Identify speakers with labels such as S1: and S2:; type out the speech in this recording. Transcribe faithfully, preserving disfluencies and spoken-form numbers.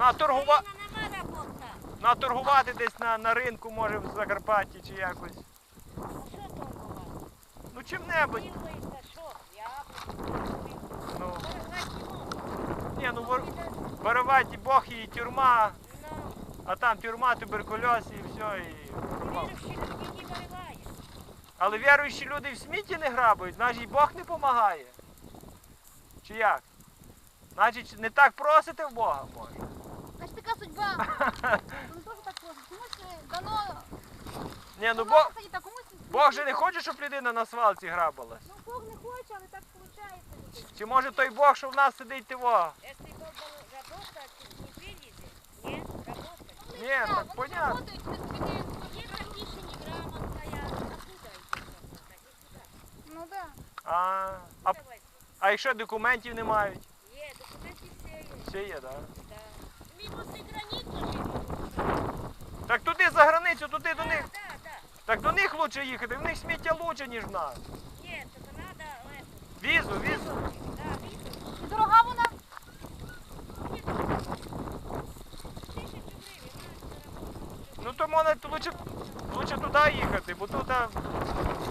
S1: На торгува...
S2: Україна нема робота.
S1: на торгувати десь на, на ринку, може, в Закарпатті чи якось.
S2: А що торгувати?
S1: Ну чим-небудь.
S2: Ділиться, що? Яблуки.
S1: Ну,
S2: Торгувати не можна.
S1: ні, ну вор... воровать Бог і тюрма,
S2: Ну,
S1: а там тюрма, туберкульоз і все, і пропав.
S2: віруючі люди не виривають.
S1: Але віруючі люди в смітті не грабують, значить і Бог не допомагає. Чи як? Значить, не так просите в Бога, може.
S3: Значить, така судьба. Ну, теж так просто. Комусь е, дано...
S1: Ні, ну
S3: дано,
S1: Бог,
S3: кстати, так, комусь...
S1: Бог же не хоче, щоб людина на свалці грабалась.
S3: Ну, Бог не хоче, але так виходить.
S1: Чи може той Бог, що в нас сидить того?
S2: Если Бог был работать, не вылезет. Нет, работать.
S1: Ні, так понятно.
S3: Работають, це тобі не...
S2: Если пиша неграмотная, откуда идти работать? Куда?
S3: Ну, да.
S1: А, а,
S2: Давай.
S1: а якщо документів не мають?
S2: Є, документи все є.
S1: Все є, так?
S2: Да. Минус и границу живут.
S1: Так туди за границю, туди до
S2: Да,
S1: них.
S2: да, да.
S1: Так до них лучше їхати, в них сміття лучше, ніж в нас.
S2: Нет, только надо эту.
S1: Візу, візу.
S2: Да, визу.
S3: І дорога вона?
S2: Тысячу гривен, надо заработать.
S1: Ну то можна лучше, лучше туди їхати, бо тут а,